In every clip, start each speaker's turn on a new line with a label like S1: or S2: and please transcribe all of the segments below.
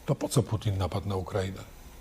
S1: To po co Putin napadł na Ukrainę?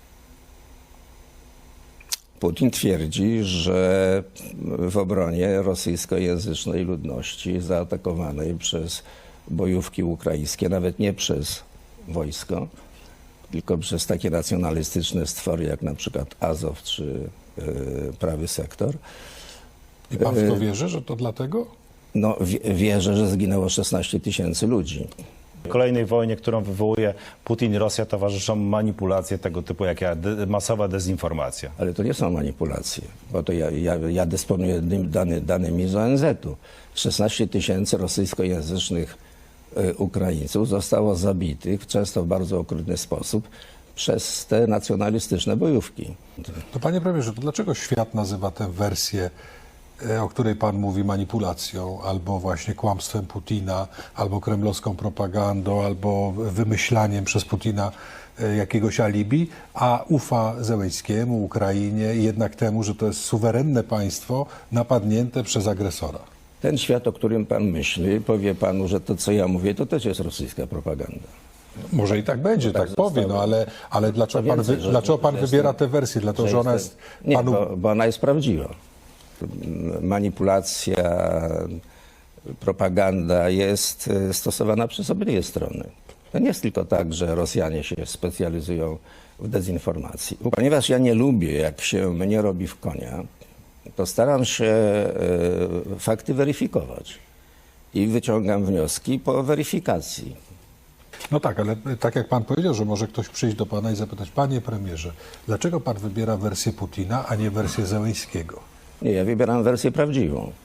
S2: Putin twierdzi, że w obronie rosyjskojęzycznej ludności zaatakowanej przez bojówki ukraińskie, nawet nie przez wojsko, tylko przez takie nacjonalistyczne stwory jak na przykład Azow czy Prawy Sektor.
S1: I pan w to wierzy, że to dlatego?
S2: No, wierzę, że zginęło 16 000 ludzi.
S3: Kolejnej wojnie, którą wywołuje Putin i Rosja, towarzyszą manipulacje tego typu, jak masowa dezinformacja.
S2: Ale to nie są manipulacje, bo to ja dysponuję danymi z ONZ-u. 16 000 rosyjskojęzycznych Ukraińców zostało zabitych, często w bardzo okrutny sposób, przez te nacjonalistyczne bojówki.
S1: To panie premierze, to dlaczego świat nazywa tę wersję, o której pan mówi, manipulacją, albo właśnie kłamstwem Putina, albo kremlowską propagandą, albo wymyślaniem przez Putina jakiegoś alibi, a ufa Zełenskiemu, Ukrainie i jednak temu, że to jest suwerenne państwo napadnięte przez agresora?
S2: Ten świat, o którym pan myśli, powie panu, że to, co ja mówię, to też jest rosyjska propaganda.
S1: Może i tak będzie, tak powie, no ale dlaczego pan wybiera tę wersję? Dlatego, że ona jest panu...
S2: Nie, bo ona jest prawdziwa. Manipulacja, propaganda jest stosowana przez obydwie strony. To nie jest tylko tak, że Rosjanie się specjalizują w dezinformacji. Ponieważ ja nie lubię, jak się mnie robi w konia, to staram się fakty weryfikować i wyciągam wnioski po weryfikacji.
S1: No tak, ale tak jak pan powiedział, że może ktoś przyjść do pana i zapytać, panie premierze, dlaczego pan wybiera wersję Putina, a nie wersję Zełenskiego?
S2: Nie, ja wybieram wersję prawdziwą.